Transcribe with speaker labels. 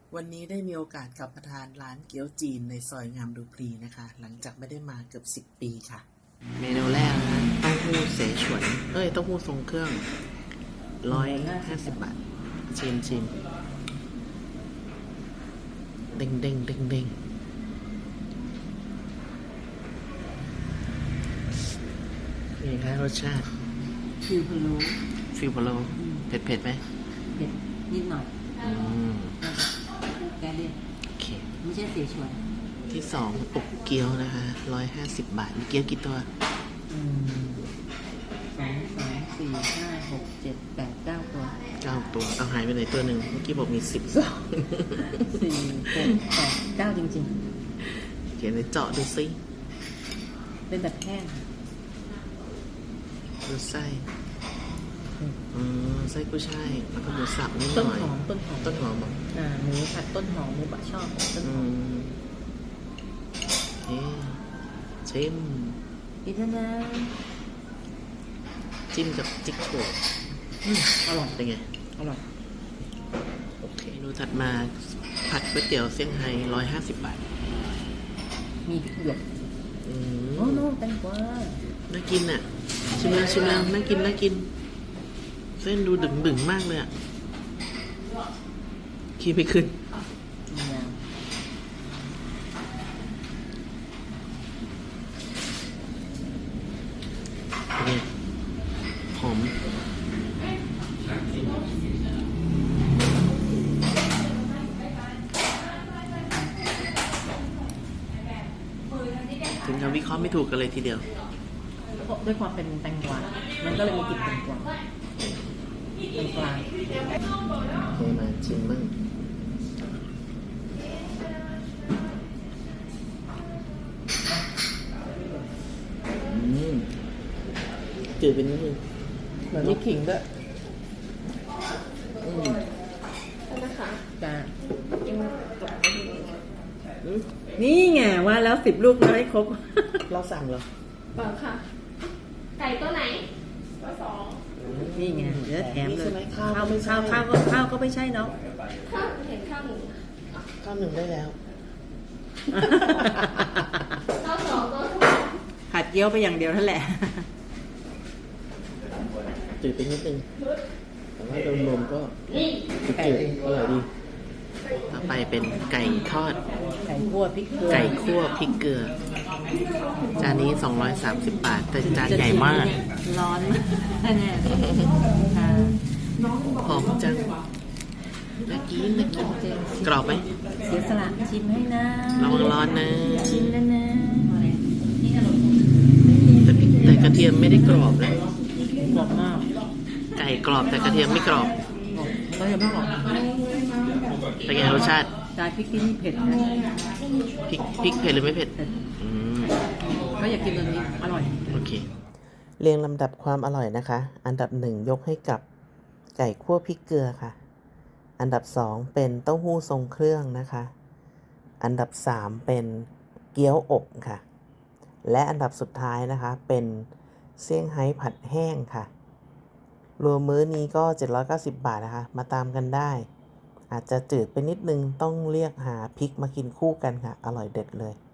Speaker 1: วันนี้ได้มีโอกาสกลับมาทานร้านเกี๊ยวจีนในซอยงามดูพลีนะคะหลังจากไม่ได้มาเกือบ10 ปีค่ะเมนูแรกนะเต้าหู้เสฉวนเต้าหู้ทรงเครื่อง150 บาทชิมเด้งนี่ค่ะรสชาติ
Speaker 2: ฟิวพะโล้
Speaker 1: เผ็ดไหม
Speaker 2: เผ็ดนิดหน่อยแกเรียก
Speaker 1: โอเค
Speaker 2: ไม่ใช่เสฉวน
Speaker 1: ที่2อกเกี๊ยวนะคะ150 บาทมีเกี๊ยวกี่ตัว
Speaker 2: 2 3 4 5 6 7 8 9 ตัว
Speaker 1: 9 ตัวเอาหายไปไหนตัวหนึ่งเมื่อกี้บอกมี12 4
Speaker 2: 6 8 9จริง
Speaker 1: ๆเขียนในเจาะดูซิ
Speaker 2: เป็นแบบแห้ง
Speaker 1: ดูไส้ไส้กุ้ยช่ายแล้วก็หมูสับนิดหน่อยต้นหอมบอก
Speaker 2: หมูผัดต้นหอมหมูบะช่อต้นหอม
Speaker 1: ชิม
Speaker 2: อีกแล้วนะ
Speaker 1: จิ้มกับจิ๊กโฉว
Speaker 2: อร่อย
Speaker 1: เป็นไง
Speaker 2: อร่อย
Speaker 1: โอเคดูถัดมาผัดก๋วยเตี๋ยวเซี่ยงไฮ้150 บาท
Speaker 2: มีพริกหยวกโอ้โหแตงกวา
Speaker 1: น่ากินอ่ะชิมแล้วน่ากินเส้นดูดึงมากเลยอ่ะขี้ไม่ขึ้นเนี่ยหอมถึงกับวิเคราะห์ไม่ถูกกันเลยทีเดียว
Speaker 2: ด้วยความเป็นแตงกวามันก็เลยมีกลิ่นแตงกวา
Speaker 1: โอเคมาชิมมั่งจืดเป็นนิดนึง
Speaker 2: เหมือนมีขิงด้วย
Speaker 3: นะคะ
Speaker 2: จ้านี่ไงว่าแล้ว10 ลูกแล้วให้ครบ
Speaker 1: เราสั่งเหรอ
Speaker 3: เปล่าค่ะไก่ตัวไหนตัว2
Speaker 2: นี่ไงเดี๋ยวแถมเลยข้าวก็ไม่ใช่เนาะ
Speaker 3: ข้าวเห็นข้าว1
Speaker 1: ได้แล้ว
Speaker 3: ข้าว2ตัว
Speaker 2: ผัดเกี๊ยวไปอย่างเดียวนั่นแหละ
Speaker 1: จืดไปนิดนึงแต่ว่าโดยรวมก็จืดอร่อยดีต่อไปเป็นไก่ทอด
Speaker 2: ไก่คั่วพริกเก
Speaker 1: ลือจานนี้230 บาทแต่จานใหญ่มาก
Speaker 2: ร้อนแน่
Speaker 1: หอมจังน่ากินกรอบไหม
Speaker 2: เสียสละชิมให้นะ
Speaker 1: ระวังร้อนนะ
Speaker 2: ชิมแล้วนะ
Speaker 1: แต่กระเทียมไม่ได้กรอบนะ
Speaker 2: กรอบมาก
Speaker 1: ไก่กรอบแต่กระเทียมไม่กรอบ
Speaker 2: ก็ยังไม่กรอบ
Speaker 1: เป็นไงรสชาติ
Speaker 2: พริกที่นี่เผ็ดนะ
Speaker 1: พริกเผ็ดหรือไม่เผ็ด
Speaker 2: ก็อยากกินตัวนี้อร่อย
Speaker 1: โอเคเรียงลำดับความอร่อยนะคะอันดับ1ยกให้กับไก่คั่วพริกเกลือค่ะอันดับ2เป็นเต้าหู้ทรงเครื่องนะคะอันดับ3เป็นเกี๊ยวอบค่ะและอันดับสุดท้ายนะคะเป็นเซี่ยงไฮ้ผัดแห้งค่ะรวมมื้อนี้ก็790 บาทนะคะมาตามกันได้อาจจะจืดไปนิดนึงต้องเรียกหาพริกมากินคู่กันค่ะอร่อยเด็ดเลย